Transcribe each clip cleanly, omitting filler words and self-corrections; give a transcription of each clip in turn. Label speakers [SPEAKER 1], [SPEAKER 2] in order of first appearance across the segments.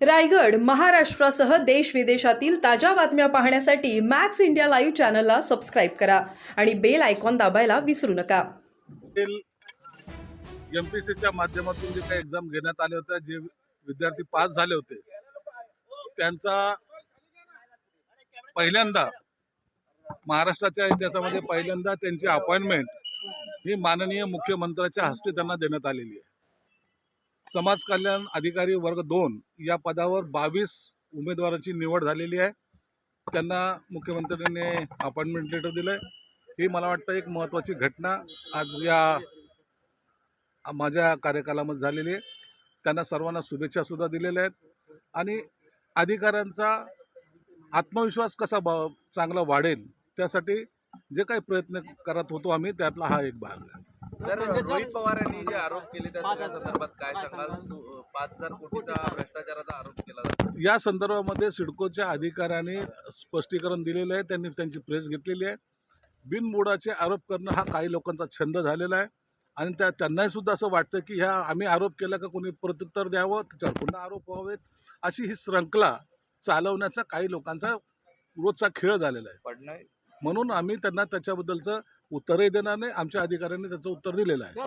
[SPEAKER 1] रायगड महाराष्ट्रासह देश विदेशातील ताज्या बातम्या पाहण्यासाठी मॅक्स इंडिया लाईव्ह चॅनलला सबस्क्राईब करा आणि बेल आयकॉन दाबायला विसरू नका.
[SPEAKER 2] एमपीसीच्या माध्यमातून जे काही एक्झाम घेण्यात आले होते, जे विद्यार्थी पास झाले होते, त्यांचा पहिल्यांदा महाराष्ट्राच्या इतिहासामध्ये पहिल्यांदा त्यांची अपॉइंटमेंट ही माननीय मुख्यमंत्र्याच्या हस्ते त्यांना देण्यात आलेली आहे. समाज कल्याण अधिकारी वर्ग 2 या पदावर 22 उमेदवारांची निवड झालेली आहे. त्यांना मुख्यमंत्र्यांनी अपॉइंटमेंट लेटर दिलंय. ही मला वाटतं एक महत्त्वाची घटना आज या माझ्या कार्यकालामध्ये झालेली आहे. त्यांना सर्वांना शुभेच्छा सुद्धा दिलेल्या आहेत आणि अधिकाऱ्यांचा आत्मविश्वास कसा चांगला वाढेल त्यासाठी जे काही प्रयत्न करत होतो आम्ही, त्यातला हा एक भाग आहे.
[SPEAKER 3] सर, रोहित पवारांनी जे आरोप केले त्या सगळ्या संदर्भात काय सांगाल? 5,000 कोटीचा भ्रष्टाचाराचा आरोप केला जातो.
[SPEAKER 2] या संदर्भामध्ये सिडकोच्या अधिकाऱ्यांनी स्पष्टीकरण दिलेलं आहे. त्यांनी त्यांची प्रेस घेतलेली आहे. बिनबुडाचे आरोप करणं हा काही लोकांचा छंद झालेला आहे आणि त्यांनाही सुद्धा असं वाटतं की ह्या आम्ही आरोप केला का कोणी प्रत्युत्तर द्यावं, त्याच्यावर पुन्हा आरोप व्हावेत, अशी ही श्रंखला चालवण्याचा काही लोकांचा रोजचा खेळ झालेला आहे. म्हणून आम्ही त्यांना त्याच्याबद्दलचं उत्तरही देणार नाही. आमच्या अधिकाऱ्यांनी त्याचं उत्तर दिलेलं आहे.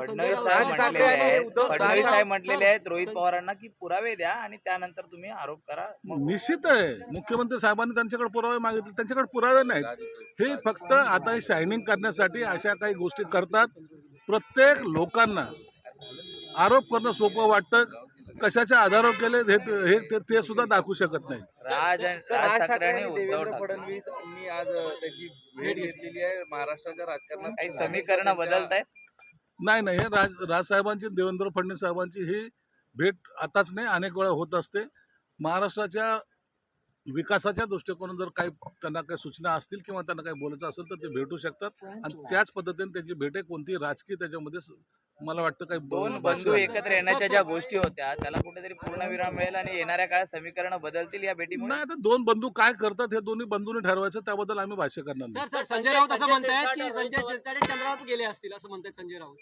[SPEAKER 3] फडणवीस साहेब म्हटलेले आहेत रोहित पवारांना की पुरावे द्या आणि त्यानंतर तुम्ही आरोप करा.
[SPEAKER 2] निश्चित आहे, मुख्यमंत्री साहेबांनी त्यांच्याकडे पुरावे मागितले, त्यांच्याकडे पुरावे नाहीत. हे फक्त आता शायनिंग करण्यासाठी अशा काही गोष्टी करतात. प्रत्येक लोकांना आरोप करणं सोपं वाटतं. कशाच्या आधारावर केले ते सुद्धा दाखवू शकत नाही.
[SPEAKER 3] राज ठाकरे आणि देवेंद्र फडणवीस यांनी आज त्याची भेट घेतलेली आहे. महाराष्ट्राच्या राजकारणात काही समीकरण बदलत आहेत?
[SPEAKER 2] नाही, हे राजसाहेबांची, देवेंद्र फडणवीस साहेबांची ही भेट आताच नाही, अनेक वेळा होत असते. महाराष्ट्राच्या विकासाच्या दृष्टिकोनातून जर काही त्यांना काही सूचना असतील किंवा त्यांना काही बोलायचं असेल तर ते भेटू शकतात आणि त्याच पद्धतीने त्यांची भेट आहे. कोणती राजकीय त्याच्यामध्ये मला वाटतं काही
[SPEAKER 3] दोन बंधू एकत्र येण्याच्या ज्या गोष्टी होत्या त्याला कुठेतरी पूर्णविराम मिळेल आणि येणाऱ्या काळात समीकरण बदलतील या भेटीमुळे.
[SPEAKER 2] नाही, आता दोन बंधू काय करतात हे दोन्ही बंधूंनी ठरवायचं, त्याबद्दल आम्ही भाष्य करणार नाही.
[SPEAKER 4] सर, संजय राऊत असं म्हणतायत की संजय शिरसाट चंद्रावर गेले असतील असं म्हणतात संजय राऊत.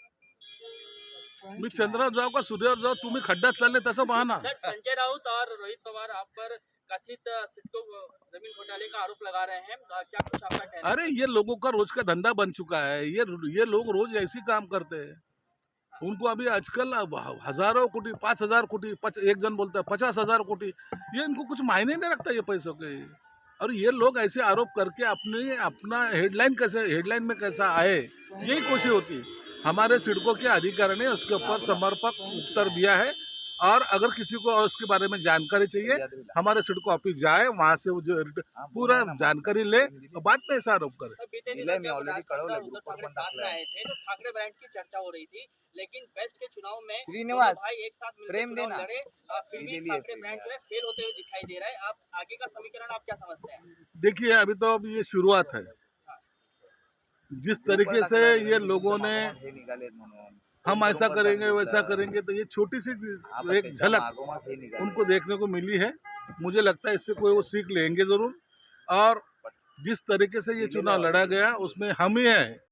[SPEAKER 2] मी चंद्रावर जाऊ का सूर्यावर जाऊ, तुम्ही खड्ड्यात चालले त्याचा बहाना.
[SPEAKER 4] सर, संजय राउत और रोहित पवार आप पर कथित सिडको जमीन घोटाले का आरोप लगा रहे हैं, क्या कुछ आपका कहना है?
[SPEAKER 2] अरे ये लोगों का रोज का धंधा बन चुका है. ये लोग रोज ऐसी काम करते हैं. उनको अभी आजकल हजारों कोटी, 5,000 कोटी, एक जन बोलता है 50,000 कोटी, ये इनको कुछ मायने नहीं रखता ये पैसों के. और ये लोग ऐसे आरोप करके अपना हेडलाइन में कैसा आए, यही कोशिश होती है. हमारे सिडको के अधिकारी ने उसके ऊपर समर्पक उत्तर दिया है और अगर किसी को उसके बारे में जानकारी चाहिए, हमारे सिडको ऑफिस जाए, वहाँ से जो पूरा जानकारी ले और बाद में ऐसा आरोप करे.
[SPEAKER 4] ठाकरे ब्रांड की चर्चा हो रही थी, लेकिन वेस्ट के चुनाव में
[SPEAKER 3] श्रीनिवास,
[SPEAKER 4] भाई एक साथ
[SPEAKER 3] प्रेम
[SPEAKER 4] मिलकर चुनाव
[SPEAKER 3] देना.
[SPEAKER 4] लड़े, फिर भी ठाकरे ब्रांड जो है फेल होते हुए दिखाई दे रहा है. आप आगे का समीकरण आप क्या समझते हैं?
[SPEAKER 2] देखिए, अभी तो अब ये शुरुआत है. जिस तरीके से ये लोगों ने हम ऐसा करेंगे वैसा करेंगे, तो ये छोटी सी एक झलक उनको देखने को मिली है. मुझे लगता है इससे कोई वो सीख लेंगे जरूर. और जिस तरीके से ये चुनाव लड़ा गया उसमें हम ही हैं